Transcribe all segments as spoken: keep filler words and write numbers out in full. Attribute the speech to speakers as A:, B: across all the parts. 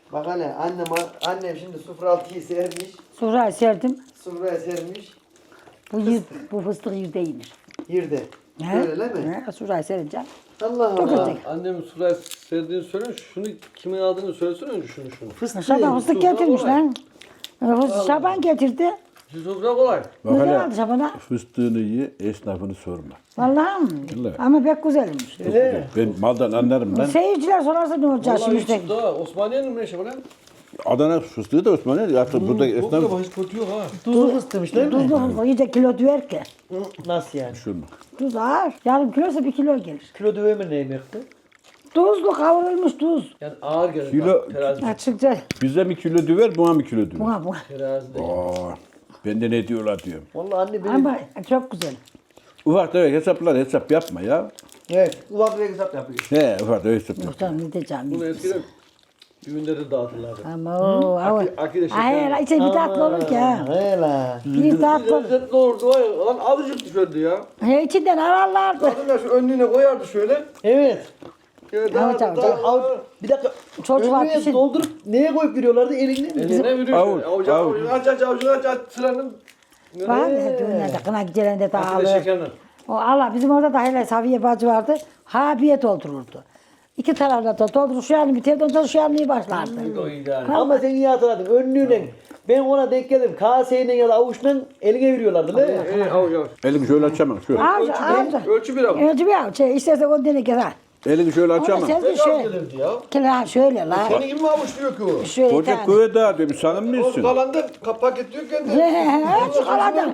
A: Bak hele annem, annem şimdi sıfır altıyı sermiş.
B: Sonra serdim.
A: Sofraya sermiş.
B: Bu yir, bu fıstık yirde yenir.
A: Yirde.
B: He?
A: Öyle mi?
B: He, sonra serince.
A: Allah Allah.
B: Dökecek.
C: Annemin sıraya serdiğini söyle. Şunu kimin aldığını söylesene önce şunu şunu.
A: Fıstık.
B: Şaban fıstık
C: sofra
B: getirmiş
C: kolay.
B: lan. E, fıstık Şaban getirdi.
C: Siz sofra kolay.
D: Bak
B: Ne
D: hele
B: aldı Şaban'a?
D: fıstığını ye, esnafını sorma.
B: Vallahi mi?
D: Vallahi.
B: Ama pek güzelmiş.
D: Çok güzel. Ben maldan anlarım lan.
B: Seyirciler sorarsa ne olacak
C: Vallahi
B: şimdi?
C: hiç
B: işte?
C: daha Osmaniye'nin mi ne şey var lan?
D: Adana fıstığı da Osmanlı. Artık burada
C: Çok da
D: esnaf
C: hiç kötü yok ha.
A: Tuzlu fıstığmış değil mi?
B: Tuzlu fıstık iyice kilo düver ki.
A: Hı, nasıl yani?
D: şunu.
B: Tuz ağır. Yarım kilosa bir kilo gelir.
A: Kilo döve mi neyim yaptı?
B: Tuzlu kavrulmuş tuz.
C: Yani ağır gelir.
D: Kilo-
C: bak, Terazi.
B: Açıkça
D: Bize mi kilo düver, buna mı kilo düver?
B: buna buna.
C: Terazi de.
D: Aa, bende ne diyorlar diyorum.
A: Vallahi anne benim.
B: Ama çok güzel.
D: Ufak tefek hesaplar hesap yapma ya.
A: Evet. Ufak bir hesap yapıyor.
D: He ufak tefek hesap yapma.
B: Yoksa ne diyeceğim?
C: Bunu eskiden düğünlerde dağıtırlardı.
B: Ama o ama.
C: Aki- Aki de şeker.
B: Hayır, içe bir tatlı olur ki ha.
A: He la.
B: Bir tatlı olur.
C: Lezzetli olurdu var ya. Lan azıcık düşerdi ya.
B: He, içinden ararlardı.
C: Kadın da şu önlüğüne koyardı şöyle.
A: Evet.
C: Evet,
B: Evet,
C: daha,
B: evet.
C: daha,
A: Av, bir dakika.
B: Çocuklar
A: Önlüğe
B: pişin.
A: doldurup neye koyup veriyorlardı? Elinde mi?
C: Eline veriyor.
D: Avuç,
C: şöyle. Avucu,
D: avuç.
C: avucu, aç aç avucunu aç aç sıranın.
B: Var ya düğünlerde kına gecelerinde
C: Aki de
B: dağılır.
C: şekerle.
B: O Allah bizim orada da hele Safiye bacı vardı. Habiye doldururdu. İki tarafta da doldurur şu yanı biterdi ondan sonra şu yanı başlardı.
C: O ideal.
A: Ama sen iyi hatırladın. Önlüğüne. Ben ona denk geldim. Kaseyle ya da avuçla eline veriyorlardı değil mi?
C: Evet, avuç avuç.
D: Elini şöyle açamam. Şöyle.
B: Avcı
C: Ölçü
B: avcı.
C: bir, ölçü bir avuç.
B: Önce bir avuç. Şey, istersen on tane keser.
D: Elini şöyle
B: Ama
D: açamam.
B: sen
C: Ne
B: de
C: kadar
B: şöyle.
C: gelirdi ya?
B: Kela şöyle la.
C: Senin gibi mi avuç diyor ki o?
B: Şöyle
D: Koca
B: tane.
D: kuvvet daha demiş sanır
C: O
D: mısın?
C: kalanda paket diyor kendi.
B: He, he, he, şu kalada.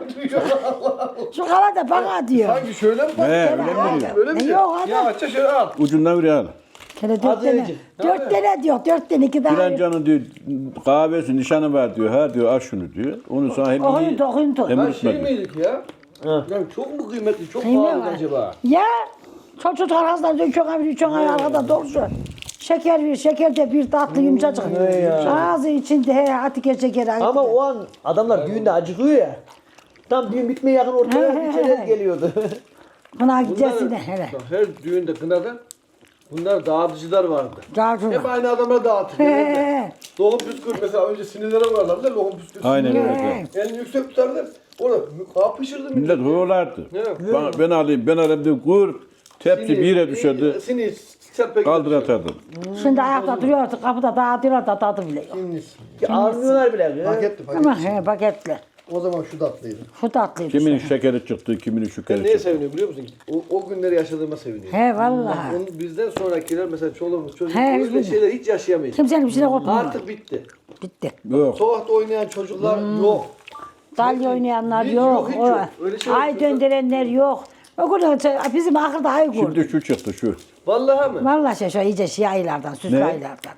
B: Şu kalada bana diyor.
C: Sanki şöyle mi?
D: He öyle mi
B: He,
D: diyor?
C: Öyle mi
B: E,
C: diyor?
B: yok adam.
C: Ya açça şöyle al.
D: Ucundan bir al.
B: Kele dört tane.
A: önce.
B: Dört tane diyor. Dört tane iki tane.
D: Filancanın diyor kahvesi nişanı var diyor. Ha diyor al şunu diyor. Onu sana hem
B: Oyun
D: iyi
B: tok, oyun tok.
D: hem
C: Ben
D: unutma
C: şey
D: diyor.
C: miydik ya? Yani çok mu kıymetli, çok
B: Kıymet
C: pahalı
B: var.
C: acaba?
B: Ya çocuk arasında diyor çok hafif çok arkada doğrusu. Şeker bir, şeker de bir tatlı yumuşacık. Ağzı içinde he Atike şekeri.
A: Ama o an adamlar düğünde acıkıyor ya. Tam düğün bitmeye yakın ortaya bir çerez geliyordu.
B: Buna
C: Bunlar,
B: gideceğiz de hele.
C: bak, her düğünde kınada bunlar dağıtıcılar vardı.
B: Gavcuma.
C: Hep aynı adamlara dağıtır.
B: He.
C: Lokum püskür mesela önce sinirlere vurarlardı lokum püskür.
D: Aynen öyle.
B: He.
C: Elini yüksek tutardı. Orada kağıt pişirdi mi?
D: Millet hoğlardı.
C: Evet.
D: Ben, ben alayım ben alayım diye kur. Tepsi bir yere düşerdi.
C: Sinir, serpek.
D: Kaldır atardı.
B: Şimdi ayakta duruyor kapıda dağıtıyorlar da tadı bile yok.
C: Sinir.
A: Ağırmıyorlar bile.
C: Paketti
B: Ama
C: paket.
B: he paketli.
C: O zaman şu tatlıydı.
B: Şu tatlıydı.
D: Kiminin
B: işte.
D: şekeri çıktı, kiminin
C: Ben
D: şekeri
C: neye
D: çıktı.
C: seviniyorum biliyor musun? O, o günleri yaşadığıma seviniyorum.
B: He vallahi.
C: Onun bizden sonrakiler mesela çoluğumuz çocuğumuz
B: He,
C: öyle
B: biz-
C: şeyler hiç yaşayamayız.
B: Kimsenin bir şeyine korkmuyor.
C: Artık bitti.
B: Bitti.
D: Yok.
C: Sokakta oynayan çocuklar yok.
B: Dalya oynayanlar
C: Hiç
B: yok.
C: yok, hiç
B: o-
C: yok. Öyle şey yok.
B: ay döndürenler yok. O gün bizim akılda ay kurdu.
D: Şimdi şu çıktı şu.
C: Vallahi mi?
B: Vallahi şey, şu iyice şey aylardan, süslü
D: Ne?
B: aylardan.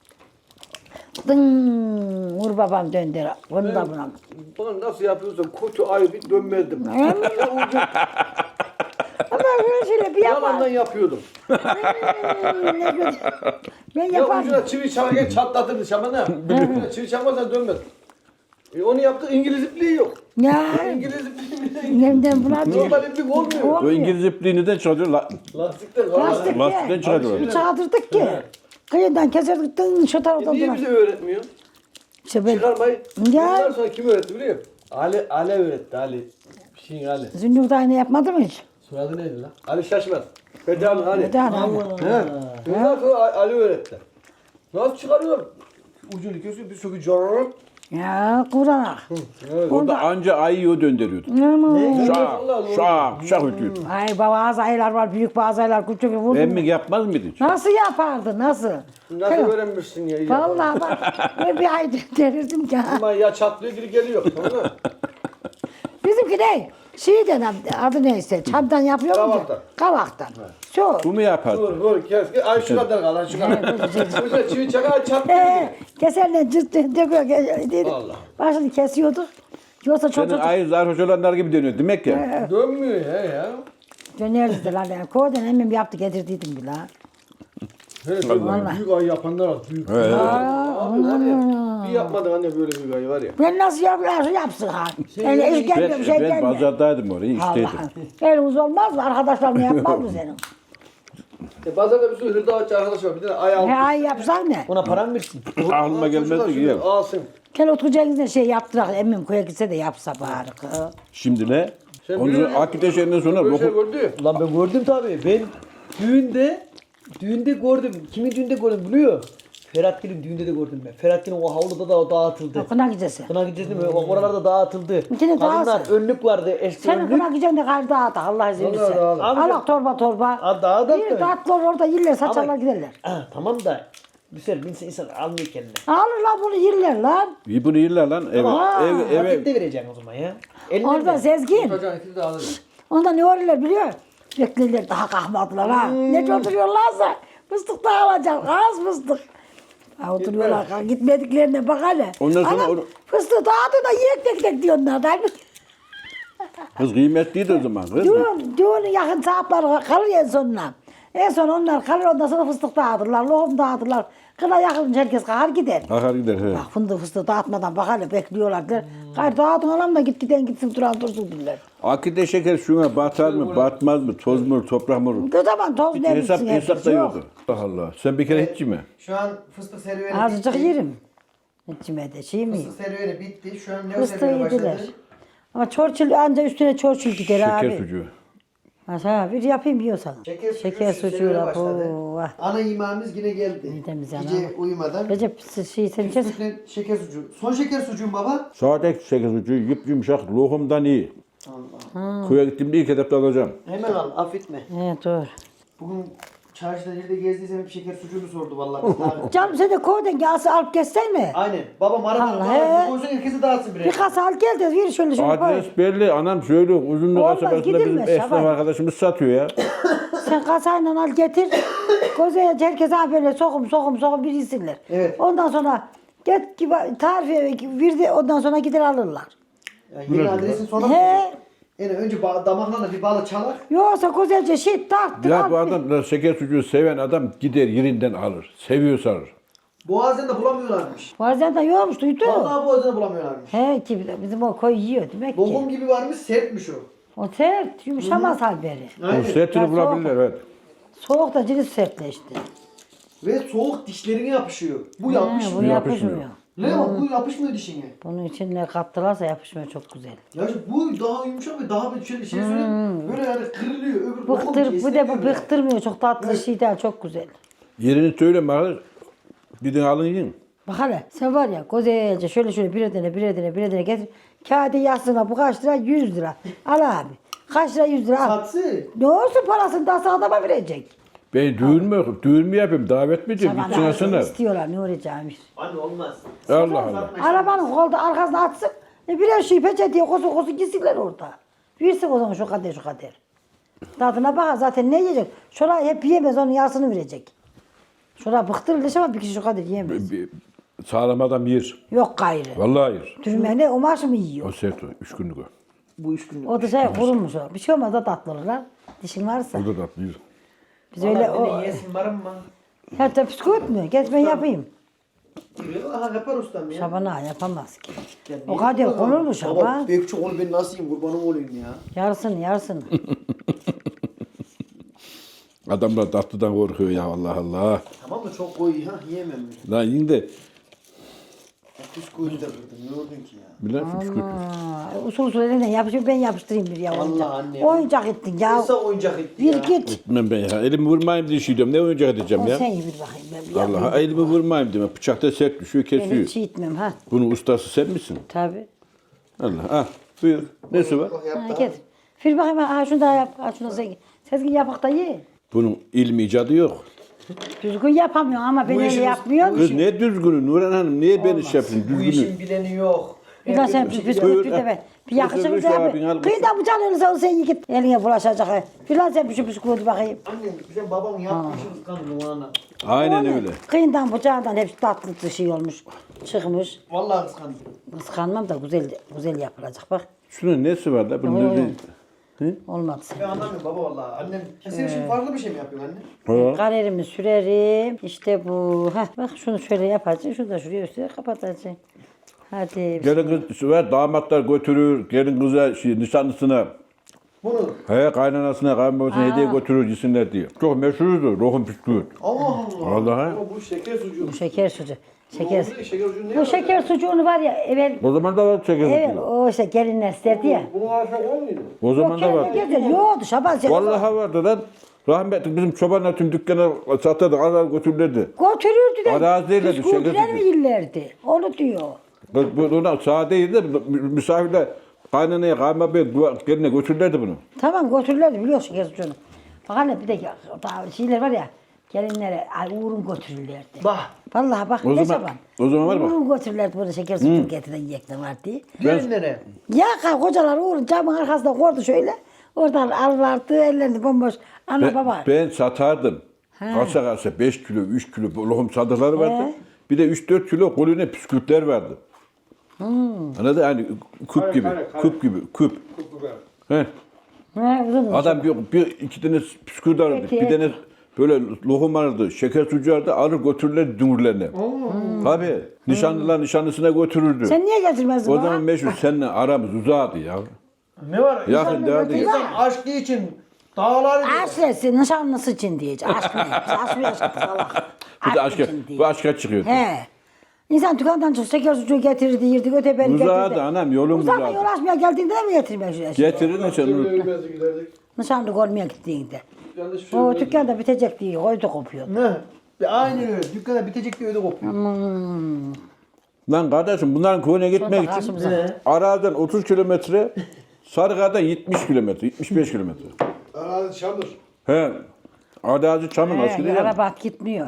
B: Dın, Uğur babam döndü. Bunu da buna.
C: Bana nasıl yapıyorsan kötü ay bir dönmezdim.
B: Ama böyle şöyle bir
C: Yalandan
B: yapar.
C: yapıyordum.
B: Ben
C: Ya
B: yaparım.
C: ucuna çivi çakarken çatlatırdı şamana. Ucuna çivi çakmazsan dönmez. E onu yaptık İngiliz ipliği yok.
B: Ya,
C: İngiliz ipliği
B: nemden buna diyor.
C: normal iplik olmuyor.
D: O
B: Olmuyor.
D: İngiliz ipliği neden çıkartıyor? La,
C: Lastikten
B: Lastik
C: vallahi.
D: lastikten
B: de.
D: çıkartıyor.
B: Bir çağdırdık ki. Kıyından keserdik, dın şu
C: E
B: taraftan
C: niye
B: duran.
C: bize öğretmiyor?
B: İşte ben
C: Çıkarmayı.
B: Ya.
C: Bundan sonra kim öğretti biliyor musun? Ali, Ali öğretti Ali. Bir şeyin Ali.
B: Zünnur da aynı yapmadı mı hiç?
C: Soyadı neydi lan? Ali Şaşmaz. Bedalı Ali.
B: Bir tane ama.
C: He. Bundan sonra A- Ali öğretti. Nasıl çıkarıyor? Ucunu kesiyor bir sökü carrrr.
B: Ya kuranak.
C: Evet.
D: O da anca ayıyı döndürüyordu.
B: Aman.
D: Şak,
C: Vallahi doğru.
D: şak, şak ötüyordu.
B: Ay bazı aylar var, büyük bazı aylar küçük. Vurdum.
D: Emmik yapmaz mıydı hiç?
B: Nasıl yapardı, nasıl?
C: Nasıl öğrenmişsin ya? iyi
B: Vallahi bak, ben bir ay derirdim ki.
C: Ama ya çatlıyor geri geliyor. Tamam mı?
B: Bizimki ne? Şey denen, adı neyse, çamdan yapıyor mu?
C: Kavaktan.
B: Kavaktan. Şu.
D: Bu mu yapardı?
C: Vur vur kes. Ay şu kadar kal ay şu kadar. Ucuna çivi çakar çatlıyor
B: Ee,
C: geri.
B: keserle cırt cırt döküyor. ke-
C: Allah.
B: Başını kesiyorduk. Yoksa çok
D: Senin
B: çok
D: ayı zarhoş olanlar gibi dönüyor demek ya.
C: Dönmüyor ya ya.
B: dönerdi de lan. Yani. Kovdan emmim yaptı getirdiydim bile. ha.
C: Hele böyle
B: Vallahi.
C: büyük ay yapanlar var. Büyük.
D: He.
C: Abi hani bir yapmadın anne böyle büyük ay var ya.
B: Ben nasıl yapıyorsa yapsın ha. Öyle iş gelmiyor, bir şey
D: Ben, ben
B: gelmiyor.
D: pazardaydım oraya işteydim.
B: Allah'ım. Elimiz olmaz mı? Arkadaşlarına yapmaz mı senin?
C: E bazen de bir sürü hırdavatçı arkadaş var. Bir tane ay
B: He
C: almış.
B: ay yapsan ne?
A: Ona param mı versin?
D: Aklıma gelmedi ki ya.
C: Alsın.
B: Gel oturacağınızda şey yaptırak emmim koya gitse de yapsa bari. kız.
D: Şimdi ne?
C: Sen
D: Onu
C: biliyor musun?
D: akide şeyinden sonra
C: Böyle şey
D: boku...
C: gördü ya.
A: Ulan ben gördüm tabii. Ben düğünde düğünde gördüm. Kimin düğünde gördüm biliyor? Ferhat Gül'ün düğünde de gördüm ben. Ferhat Gül'ün o havluda da o dağıtıldı.
B: Kına gidesi.
A: Kına gideceğiz mi? O oralarda dağıtıldı.
B: Yine
A: Kadınlar
B: dağılsın.
A: önlük vardı. Eski
B: Senin
A: önlük.
B: kına gideceksin de gayrı dağıt Allah izin
C: Vallahi
B: verirse.
C: dağılır.
B: Allah torba torba.
A: Ha, dağıt
B: Bir
A: tabii.
B: dağıtlar orada yerler saçarlar
A: Ama-
B: giderler.
A: Ha, tamam da güzel insan, insan almıyor kendine.
B: Alırlar bunu yerler lan.
D: İyi bunu yırlar lan. Eve,
B: Aa,
D: ev, eve,
A: Vakit de vereceksin o zaman ya. Eline
B: Orada
A: ver.
B: Sezgin.
C: Çocuğun ikisi de alır.
B: Onda ne oluyorlar biliyor musun? Beklerler daha kalkmadılar ha.
A: Hmm.
B: Ne oturuyorlarsa fıstık da alacak. Az fıstık. Ha, oturuyorlar. Ha, gitmediklerine bak hele.
D: Ondan sonra
B: Anam,
D: onu-
B: fıstığı dağıtıyor da yiyek tek tek diyorlar. Da.
D: kız kıymetliydi o zaman kız.
B: Düğün, düğünün yakın saatleri kalır en sonuna. En son onlar kalır ondan sonra fıstık dağıtırlar. Lokum dağıtırlar. Kına yakılınca herkes kalkar gider.
D: Kalkar gider he.
B: Bak fındık fıstığı dağıtmadan bak hele bekliyorlar. Der. Gayrı dağıtın oğlum da git giden gitsin duran dursun diller.
D: Akide şeker şuna batar mı, batmaz mı, toz mu, toprak mı?
B: O zaman toz
D: Hiç
B: ne
D: hesap,
B: bilsin
D: hesap
B: herkes
D: da
B: yok.
D: yoktu. Allah Allah. Sen bir kere hiç mi?
E: Şu an fıstık serüveni
B: Azıcık
E: bitti.
B: yerim. İçime de şey mi?
E: Fıstık serüveni bitti. Şu an ne
B: Fıstığı
E: serüveni
B: yediler.
E: başladı?
B: Ama çorçul anca üstüne çorçul gider abi.
D: Şeker sucuğu.
B: Ha, bir yapayım yiyorsan.
E: Şeker,
B: Şeker
E: sucuğu
B: sucuğu
E: serüveni
B: da
E: başladı.
B: bu. vah.
E: Ana yemeğimiz yine geldi.
B: Midemiz
E: Gece
B: yanar.
E: uyumadan.
B: Recep şey sen içersin.
E: Fıstıklı şeker sucuğu. Son şeker sucuğum baba.
D: Sade şeker sucuğu yıp yumuşak, lohumdan iyi. Köye gittiğimde ilk etapta alacağım.
A: Hemen al affetme.
B: He dur.
E: Bugün çarşıda nerede gezdiysem hep şeker sucuğunu sordu vallahi. Abi.
B: Canım sen de koydun gelse alıp geçsen mi?
A: Aynen. Babam
B: Allah,
A: aradan
B: he.
A: falan koysun herkese dağıtsın birer.
B: Bir kasa al gel de bir şöyle şöyle koy.
D: Adres belli. Anam söylüyor. Uzunluk
B: Olmaz,
D: kasabasında bizim
B: gidilmez,
D: esnaf
B: Şaban.
D: arkadaşımız satıyor ya.
B: Sen kasayla al getir. Kozaya herkese ha böyle sokum sokum sokum bir yesinler.
E: Evet.
B: Ondan sonra get gibi tarifi verdi ondan sonra gider alırlar.
E: Yani yeni adresin sonra mı?
B: He.
E: Yani önce ba- damaklarla bir bağla çalar.
B: Yoksa kozaca şey tarttır
D: Ya
B: al.
D: bu adam da şeker sucuğu seven adam gider yerinden alır. Seviyorsa alır.
E: Boğazdan da bulamıyorlarmış.
B: Bazen de yokmuş duydu.
E: Vallahi boğazdan da bulamıyorlarmış.
B: He ki bizim o koy yiyor demek
E: Lokum
B: ki.
E: gibi varmış, sertmiş o.
B: O sert yumuşamaz halberi.
D: O sertini
B: Ya
D: bulabilirler evet.
B: Soğuk da cirit sertleşti.
E: Ve soğuk dişlerine yapışıyor. Bu
B: He,
E: yapışmıyor.
B: bu
D: yapışmıyor.
B: yapışmıyor.
E: Ne o? Bu yapışmıyor dişine.
B: Bunun için ne kattılarsa yapışmıyor çok güzel.
E: Ya işte bu daha yumuşak ve daha bir şey, şey söyleyeyim. Böyle yani kırılıyor. Öbür lokum
B: Bıktır, bu da bu
E: esnemiyor.
B: bıktırmıyor. Çok tatlı şey değil, çok güzel.
D: Yerini söyle bana. Bir de alın yiyin.
B: Bak hele sen var ya güzelce şöyle şöyle bir edene bir edene bir edene getir. Kağıdı yazsına bu kaç lira? yüz lira. Al abi. Kaç lira yüz lira al.
E: Satsı.
B: Ne olsun parasını da adama verecek.
D: Ben düğün mü, düğün mü yapayım, davet mi edeyim,
B: Tamam,
D: gitsin alsınlar.
B: istiyorlar ne olacağımış.
A: Anne olmaz.
D: Allah Allah.
B: Arabanın kolda arkasına atsın. E birer şey peçeteye kosu kosu gitsinler orada. Versin o zaman şu kadar şu kadar. Tadına bakar zaten ne yiyecek? Şurayı hep yiyemez onun yarısını verecek. Şuraya bıktırılmış ama bir kişi şu kadar yiyemez.
D: Bir- Sağlam adam yer.
B: Yok gayrı.
D: Vallahi yer.
B: Dürümene o maaşı mı yiyor?
D: O sert o. Üç günlük o.
A: Bu üç gün.
B: O da şey kurulmuş o. Bir şey olmaz da tatlı olurlar. Dişin varsa.
D: O da tatlı yer.
B: Biz öyle o...
E: Yesin varım mı?
B: Hatta psikot mu? Geç ben yapayım.
E: Aha yapar ustam ya.
B: Şaban ağa yapamaz ki.
E: Ya
B: O
E: niye
B: kadar
E: yapamaz?
B: konur mu
E: Baba
B: Şaban?
E: büyük çok onu ben nasıl yiyeyim kurbanım olayım ya.
B: Yarısını yarısını.
D: Adamlar tatlıdan korkuyor ya Allah Allah.
E: Tamam mı çok koyu ha yiyemem ben.
D: Lan yiyin de.
E: Bisküvi de kırdım ne oldun ki ya.
D: Bilal fıskı.
B: Aa, usul usul elinden yapışıyor ben yapıştırayım bir ya.
E: Vallahi
B: oyuncak.
E: anne.
B: Oyuncak ettin ya.
E: Nasıl oyuncak etti
B: Bir
E: ya.
B: git.
D: Ben ben ya. Elimi vurmayayım diye şey diyorum. Ne oyuncak edeceğim
B: O
D: ya?
B: sen iyi bir bakayım ben bir yapayım.
D: Allah elimi vurmayayım diyorum. Bıçakta sert düşüyor,
B: Ben
D: kesiyor.
B: hiç etmem ha.
D: Bunun ustası sen misin?
B: Tabii.
D: Allah. Ah buyur. Nesi var?
E: Oh,
B: Ha,
E: yaptı.
B: git. Bir bakayım ha şunu da yap. Ha şunu da sen. Sezgin yapak da ye.
D: Bunun ilmi icadı yok.
B: Düzgün yapamıyorsun ama ben
E: Bu
B: öyle
E: işimiz-
B: yapmıyorum.
D: Kız ne düzgünü Nurhan Hanım? Niye ben iş yapayım
E: Bu
D: düzgünü?
E: işin bileni yok.
B: Bir daha sen bir
D: Buyur,
B: bisküvit bir de
D: ha.
B: ben. Bir
D: Buyur,
B: yakışır
D: buyur,
B: mı
D: şu abin
B: abi?
D: al.
B: Kıyıda bıçağın elinize olsa iyi git. Eline bulaşacak. ha. Bir daha sen bir şu bisküvit bakayım.
E: Annem sen babamın yaptığı işi kıskandım o ana.
D: Aynen öyle.
B: Kıyından bıçağından hepsi tatlı şey olmuş. Çıkmış.
E: Vallahi kıskandım.
B: Kıskanmam da güzel güzel yapılacak bak.
D: Şunun nesi var da? Bunun
B: Yok,
D: ne?
B: yok.
D: Hı?
B: Olmadı sen.
E: Ben anlamıyorum baba vallahi. Annem senin için farklı bir şey mi yapıyor anne?
D: Ha.
B: Karerimi sürerim. İşte bu. Heh, bak şunu şöyle yapacaksın. Şunu da şuraya üstüne kapatacaksın. Hadi.
D: Gelin kız var damatlar götürür. Gelin kıza şey, nişanlısına
C: Bunu.
D: He kaynanasına kayınbabasına hediye götürür yesinler diye. Çok meşhurdu lokum bisküvit.
C: Allah Allah.
D: Vallahi.
C: Ama bu şeker sucuğu.
B: Bu şeker sucuğu. Şeker.
C: Bu şeker sucuğu ne
B: Bu şeker sucuğunu var ya evvel
D: O zaman da var şeker
B: evet
D: sucuğu.
B: o işte gelinler isterdi ya.
C: Bunun arasında olmuyordu.
D: O zaman da var.
B: Yoktu Şaban sen.
D: Vallahi vardı lan. Rahmetli bizim çobanlar tüm dükkana satardı, arar götürürlerdi.
B: Götürürdü de.
D: Araziyle de
B: bisküviler
D: şeker
B: mi
D: sucuğu.
B: yerlerdi? Onu diyor.
D: Bu ona sadeydi de misafirler kaynanaya kayınbabaya geline götürürlerdi bunu.
B: Tamam götürürlerdi biliyorsun şeker sucuğunu. Bak hani bir de daha şeyler var ya. Gelinlere ay uğrun götürürlerdi.
A: Bak.
B: Vallahi bak
D: O
B: ne
D: zaman-
B: Şaban.
D: o zaman var bak.
B: Uğrun götürürlerdi burada şeker sucuğu getiren yiyecekler var diye.
A: Gelinlere.
B: Ya kay kocalar uğrun camın arkasında koydu şöyle. Oradan alırlardı ellerini bomboş. Ana
D: Ben,
B: baba.
D: ben satardım. Kasa kasa beş kilo, üç kilo lokum sadıkları vardı. Bir de üç dört kilo kolüne püskürtler vardı.
B: Hmm.
D: Anladın? Hani küp
C: Kare,
D: gibi,
C: kare, kare.
D: küp gibi, küp. He.
B: He, uzun uzun.
D: Adam bir, bir iki tane püskürt alırdı.
B: Peki.
D: Bir tane böyle lokum alırdı. Şeker sucuğu alırdı. Alır götürürlerdi dümürlerine. Tabii. Nişanlılar nişanlısına götürürdü.
B: Sen niye getirmezdin
D: O
B: bana?
D: zaman meşhur seninle aramız uzadı ya.
A: Ne var?
D: Yakın derdi.
A: İnsan aşkı için dağlar
B: Aşresi nişanlısı için diyecek. Aşk ne? Biz aşk mı yaşadık salak?
D: Bir de aşka,
B: için diye.
D: bu aşka çıkıyordu.
B: He. İnsan dükkandan çık şeker sucuğu getirirdi, yirdi, öteberi getirdi.
D: Uzadı anam, yolun
B: Uzadı.
D: uzadı.
B: Yol açmaya geldiğinde de mi getirmek şu eşi?
D: Getirin de sen onu.
C: Ölmezdi giderdik.
B: Nişanlık olmaya gittiğinde.
C: Yanlış bir şey
B: O
C: olmazdı.
B: dükkan da bitecek diye koydu kopuyor.
A: Ne? Aynen öyle. Dükkana bitecek diye öyle kopuyor.
D: Lan kardeşim bunların köyüne gitmek için
B: karşımıza.
D: Araziden otuz kilometre, Sarıkaya'dan yetmiş kilometre, yetmiş beş kilometre.
C: Arazi çamur.
D: He. Arazi çamın
B: He,
D: askeri yani.
B: araba at gitmiyor.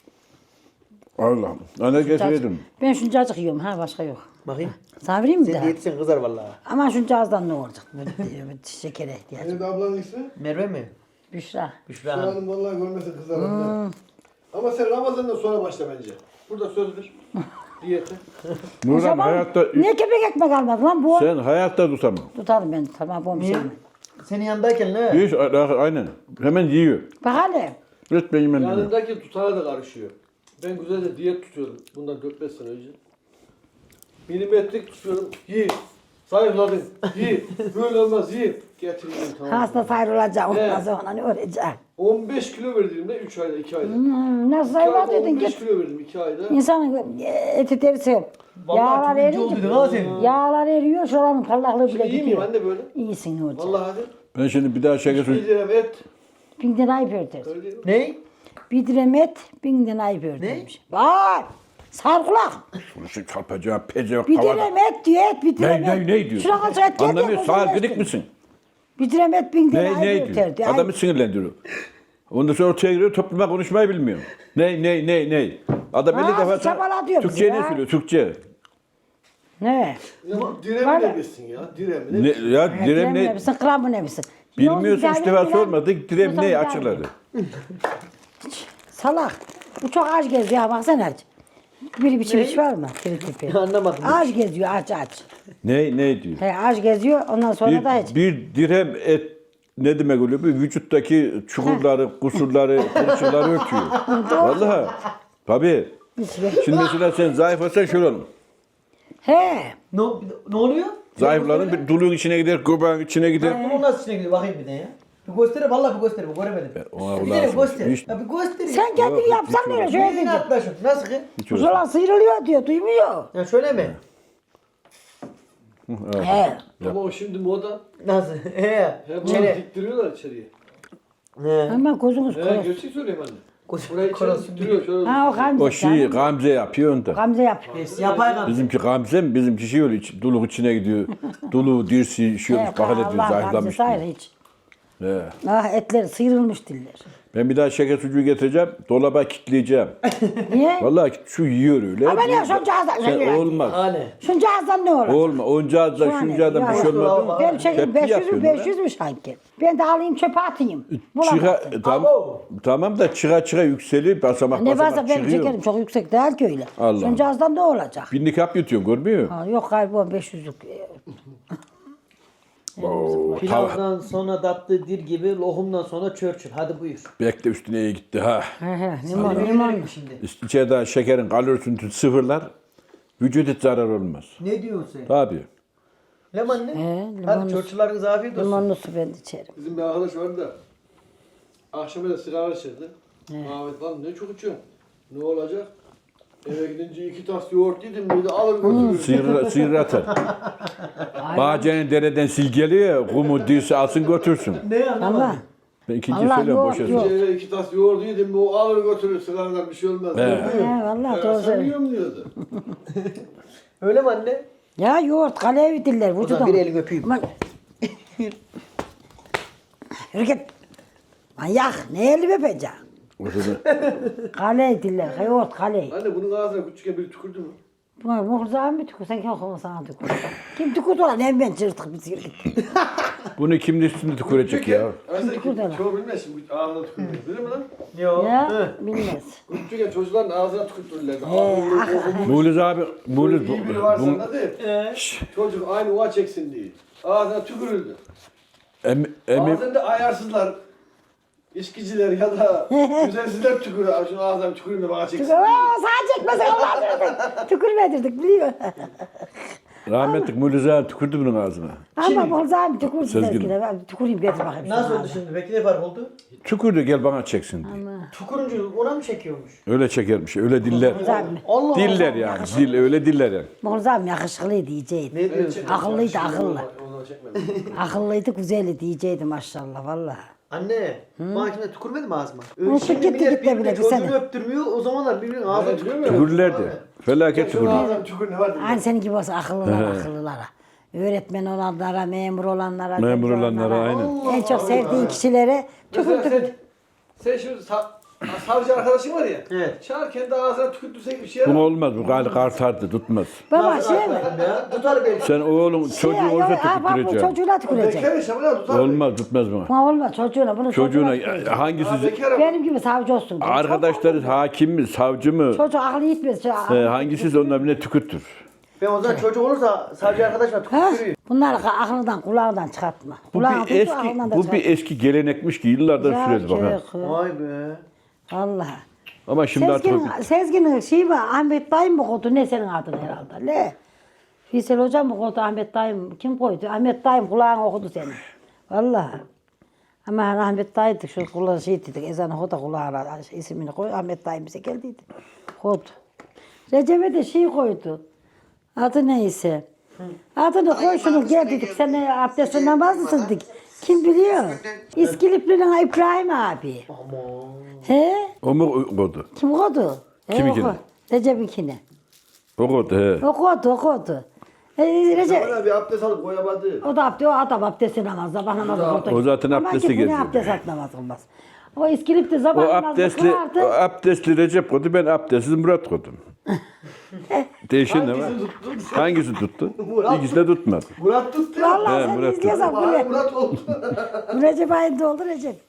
D: Allah'ım. Ana getirdim.
B: Ben şuncacık yiyorum ha başka yok.
A: Bakayım.
B: Sana vereyim mi
A: Sen
B: daha?
A: de yetişen kızar vallahi.
B: Ama şuncağızdan ne olacak? Böyle şekere ihtiyacım.
C: Senin de ablanın ismi?
A: Merve mi?
B: Büşra.
A: Büşra
C: Şu
A: Hanım.
C: hanım vallahi görmesin kızlar. Ama sen Ramazan'dan sonra başla bence. Burada söz ver. Diyete.
D: Nurhan
B: Şaban,
D: hayatta,
B: ne kepek ekmek almadın lan bu?
D: sen hayatta tutamam.
B: Tutarım ben tamam bu bir şey mi?
A: Senin yanındayken ne?
D: Hiç, aynen. Hemen yiyor.
B: Bak hele.
D: Lütfen yemem diyor.
C: Yanındaki tutana da karışıyor. Ben güzel de diyet tutuyorum bundan dört beş sene önce. Milimetrik tutuyorum. Yi. Zayıfladın. Yi. Böyle olmaz. Yi. Getirdim tamam.
B: Hasta sayrılacak ondan
C: Evet.
B: sonra ne öğrenecek?
C: on beş kilo verdiğimde üç ayda iki ayda.
B: Hmm, nasıl
C: iki ayda
B: sayrılacaktın
C: on beş
B: git.
C: kilo verdim iki ayda.
B: İnsanın eti derisi. Yağlar
A: Vallahi çok ince oldu
B: eriyor.
A: ha senin.
B: Yağlar eriyor şuranın parlaklığı bile
C: Şimdi iyi miyim
B: gidiyor.
C: anne böyle?
B: İyisin hocam.
C: Vallahi hadi.
D: Ben şimdi bir daha şeker
C: Bir
D: suyu...
C: dirhem et.
B: Bin tane ayıp örter.
C: Öyle değil mi?
A: Ne?
B: Bir dirhem et, bin tane ayıp örtermiş. Vay! Sarkulak.
D: Şu çarpacağım, pecağım,
B: Bir
D: havada.
B: dirhem et diyor, et bir dirhem
D: Ne,
B: et.
D: ne, ne diyor?
B: Şuna kaç et geldi.
D: Anlamıyor, sağır gıdık mısın?
B: Bir dirhem et, bin tane
D: Ne, ne
B: ayıp
D: diyor?
B: örterdi. Ay,
D: Adamı sinirlendiriyor. Ondan sonra ortaya giriyor, topluma konuşmayı bilmiyor. Ne, ne, ne, ne? Adam
B: Ha,
D: elli defa
B: çabala diyor
D: Türkçe
B: bizi
D: ne
B: ya.
D: söylüyor, Türkçe.
B: Ne?
C: Ya
B: Var
C: diremi
B: ya.
C: ne bilsin ya? Diremi
D: Ne,
C: ne?
D: ya direm
B: ne
D: ne?
B: misin, kramı ne misin?
D: Bilmiyorsun, üç defa sormadık, direm
B: Mustafa
D: ne
B: Bey.
D: açıkladı.
B: Salak. Bu çok aç geziyor ha baksana aç. Bir biçim iş var mı? Tiri tipi.
A: Anlamadım.
B: Aç geziyor aç aç.
D: Ne, ne diyor?
B: He aç geziyor ondan sonra da hiç.
D: Bir, bir dirhem et ne demek oluyor? Bir vücuttaki çukurları, kusurları, kurşunları örtüyor. Vallahi. Tabii. Şimdi mesela sen zayıf olsan şöyle olur.
B: He.
A: Ne, ne oluyor?
D: Zayıfların bir duluğun içine gider, göbeğin içine gider.
A: Bunun nasıl içine gidiyor? Bakayım bir de ya. Bir göster, vallahi bir göster, bir göremedim.
D: ona
A: Bir tane
D: lazım.
A: göster.
D: Hiç-
A: Ya bir göster. ya.
B: Sen kendini yapsan
D: hiç
B: böyle
D: olmaz.
B: şöyle
A: Yine
B: diyecek.
A: atlaşın. Nasıl ki?
D: Hiç öyle.
B: Ulan sıyrılıyor diyor duymuyor.
A: Ya şöyle mi?
B: He.
C: Ama o şimdi moda.
A: Nasıl? He.
C: He bunu
A: Çene.
C: diktiriyorlar içeriye.
A: He.
B: Hemen gözünüz
C: He
B: koyun.
C: gerçek söylüyorum anne.
A: Koş-
C: Burayı içeri
A: Korasın.
C: diktiriyor şöyle.
B: Ha o Gamze.
D: O şeyi Gamze yapıyor onda.
B: Gamze yapıyor.
A: Neyse, yapay kaldı.
D: Bizimki Gamze mi? Bizimki şey öyle iç, duluk içine gidiyor. Duluğu, dirsi, şey olmuş,
B: He,
D: bakın ediyor,
B: Allah Gamze
D: zayıflamış
B: sayır
D: diyor.
B: hiç.
D: He.
B: Ah etleri sıyrılmış diller.
D: Ben bir daha şeker sucuğu getireceğim, dolaba kilitleyeceğim.
B: Niye?
D: Vallahi şu yiyor öyle.
B: Ama ne şuncağızdan
D: Sen olmaz.
A: Hani.
B: Şuncağızdan ne olur?
D: Olma. Oncağızdan,
B: Şu an
D: şuncağızdan
B: ya,
D: bir şey olmadı mı?
B: Benim çekim
D: Tepki
B: beş yüz mü
D: yapıyorsun
B: beş
D: lan.
B: yüz mü sanki? Ben de alayım çöpe atayım.
D: Çıka,
B: Bulamazsın.
D: tam,
A: Abo.
D: tamam da çıka çıka yükseliyor, basamak
B: Ne
D: basamak
B: varsa benim
D: çıkıyor.
B: çekerim çok yüksek değil ki öyle.
D: Allah.
B: Şuncağızdan ne olacak?
D: Binlik hap yutuyorsun, görmüyor
B: Ha, yok galiba beş yüzlük.
D: musun? Tava,
A: Pilavdan sonra tatlı dil gibi, lohumdan sonra çörçür. Hadi buyur.
D: bekle üstüne iyi gitti ha.
B: He he limon
A: Limon
B: limon.
A: mi şimdi?
D: İçeriden şekerin kalorisini sıfırlar, vücut hiç zarar olmaz.
A: Ne diyorsun sen?
D: Tabii.
A: Lemon ne?
B: He,
A: Hadi
B: limonlu,
A: çocuklarınız afiyet olsun.
B: limonlu su ben de içerim.
C: Bizim bir arkadaş vardı da akşama da sigara içirdi. Ahmet lan ne çok içiyorsun. Ne olacak? Eve gidince iki tas yoğurt yedim dedi alır götürür.
D: Sıyır, sıyır atar. Bahçenin dereden sil geliyor. Kumu dirse alsın götürsün.
A: Ne anlamadım.
B: Allah.
D: Ben ikinci
B: Allah
D: söylüyorum
B: yok,
D: boşa
B: yok.
D: söyle.
C: Eve iki tas yoğurt yedim o alır götürür sigaradan bir şey olmaz.
D: He.
B: He, vallahi
C: Ya
B: doğru
C: sen
B: söylüyorsun.
C: yiyorum diyordu.
A: Öyle mi anne?
B: Ya yoğurt kaleye bitirler
A: O
B: vücudum.
A: zaman bir elini öpeyim.
B: Aman. Yürü git. Manyak. Ne eli öpeceğim?
D: Ortada
B: Kale ediller. Yoğurt kale.
C: Anne bunun ağzına küçükken biri tükürdü mü?
B: Buna muhrzağın mı tükür? Sen kim okuma sana tükür? Kim tükürdü lan? Hem ben çırtık bir yürü git.
D: bunu kimin üstünde tükürecek ya?
C: Aslında
B: tükürdü lan.
C: çoğu bilmez şimdi ağzına tükürdü. Bilir mi lan?
A: Yok.
B: Ya bilmez.
C: Küçükken çocukların ağzına tükürtürlerdi.
B: He,
C: Ağzını
B: ah,
C: kokumuş.
D: Muğluz abi, Muğluz bu,
C: İyi biri varsa
D: bu,
C: da değil. Çocuk aynı uva çeksin diye. Ağzına tükürüldü.
D: em, emi,
C: Ağzında ayarsızlar, içkiciler ya da güzelsizler tükürüyor. Şunu ağzına tüküreyim de bana çeksin
B: Tükür.
C: diye.
B: Aa, sağa çekmesin Allah'ım. Tükürmedirdik biliyor.
D: rahmetlik Muğluz abi tükürdü bunun ağzına.
B: Ama muhrzağın tükürdü
D: Sezgin.
B: sevgili. Ben tüküreyim getir bakayım.
A: Nasıl
B: sana.
A: oldu şimdi? Peki ne fark oldu?
D: Tükürdü gel bana çeksin diye.
A: Tukuruncu ona mı çekiyormuş?
D: Öyle çekermiş, öyle diller.
B: Muhrzağın mı?
A: Allah
D: Diller yani, dil öyle diller yani.
B: Muhrzağın yakışıklıydı diyeceydi.
A: Ne diyorsun?
B: Akıllıydı akıllı.
C: Onu çekmedim.
B: Akıllıydı güzeldi diyeceydi maşallah vallahi.
A: Anne, bana kimse tükürmedi mi ağzıma?
B: Unuttuk
A: Şimdi
B: gitti
A: millet
B: gitti
A: birbirine
B: bile bir
A: çocuğunu
B: sene.
A: öptürmüyor. O zamanlar birbirinin ağzına
C: Evet,
A: tükürmüyor.
D: Tükürürlerdi. Felaket
C: Şunun
D: tükürdü.
C: ağzına tükür ne var diye.
B: Aynı senin gibi olsa akıllılara akıllılara. Öğretmen olanlara, memur olanlara,
D: Memur
B: genç
D: olanlara, aynen.
B: En çok sevdiğin kişilere
C: Mesela
B: tükürdük.
C: sen, sen şimdi sa savcı arkadaşın var ya.
A: Evet.
C: Çağır kendi ağzına tükürtürsek bir şey
D: Bu
C: yarar.
D: olmaz, bu galiba kartardı, tutmaz.
B: Baba
A: Nasıl
B: şey mi?
A: atladın ya? Tutar beni.
D: Sen oğlun çocuğu
B: Şey,
D: olsa
B: yok, ha, bak bu
D: tükürteceksin.
B: çocuğuna tükürecek.
C: Bekar yaşamı ya tutar.
D: Olmaz, tutmaz buna.
B: Buna olmaz çocuğuna. Bunu
D: Çocuğuna
B: tükürecek.
D: hangisi,
C: Ha, bekar
B: Benim gibi savcı olsun.
D: arkadaşları hakim mi, savcı mı,
B: Çocuk aklı yitmez. Çocuk-
D: e, hangisi onunla bile tükürtür.
A: Ben o zaman çocuk olursa savcı arkadaşla
B: Ha?
A: tükürüyor.
B: Bunları aklından kulağından çıkartma.
D: Bu
B: Kulağına
D: bir
B: tut, aklından
D: eski,
B: da
D: bu
B: çıkartma.
D: bir eski gelenekmiş ki yıllardan
B: Ya
D: süredi bak. ha.
B: çocuk.
A: Vay be.
B: Vallahi.
D: Ama şimdi artık
B: Sezgin, Sezgin'in şeyi var, Ahmet dayım mı koydu, ne senin adın herhalde, ne? Fiysel hocam mı koydu, Ahmet dayım, kim koydu? Ahmet dayım kulağını okudu seni. Vallahi. Ama hani Ahmet dayıydı, şu kulağı şey dedik, ezan okudu da kulağına ismini koy, Ahmet dayım bize geldiydi. Koydu. Recep'e de şey koydu, adı neyse. Adını koy şunu gel dedik, sen ne abdestle namazlısın dedik. Kim biliyor? İskilipli'nin İbrahim abi. He?
D: o mu koydu?
B: Kim koydu?
D: Kiminkini?
B: He, o koy- Recep'inkini.
D: O koydu he.
B: O koydu, o koydu. E, Recep,
C: Bana bir abdest alıp koyamadı.
B: o da abdest, o adam abdesti namaz, sabah namazı kıldı.
D: O zaten
B: Ama
D: abdesti
B: gitmedi,
D: geziyor.
B: abdest at namaz kılmaz. O iskilip de sabah
D: O
B: namazı
D: abdestli, o
B: kılardı.
D: abdestli Recep koydu, ben abdestsiz Murat koydum. Değişen ne var? Hangisi tuttu? İkisi de tutmadı.
C: Murat tuttu.
B: Vallahi
D: He,
B: sen
D: Murat
B: izliyorsan bu
C: Vay
B: ne?
C: Murat oldu.
B: Bu Recep ayında oldu Recep.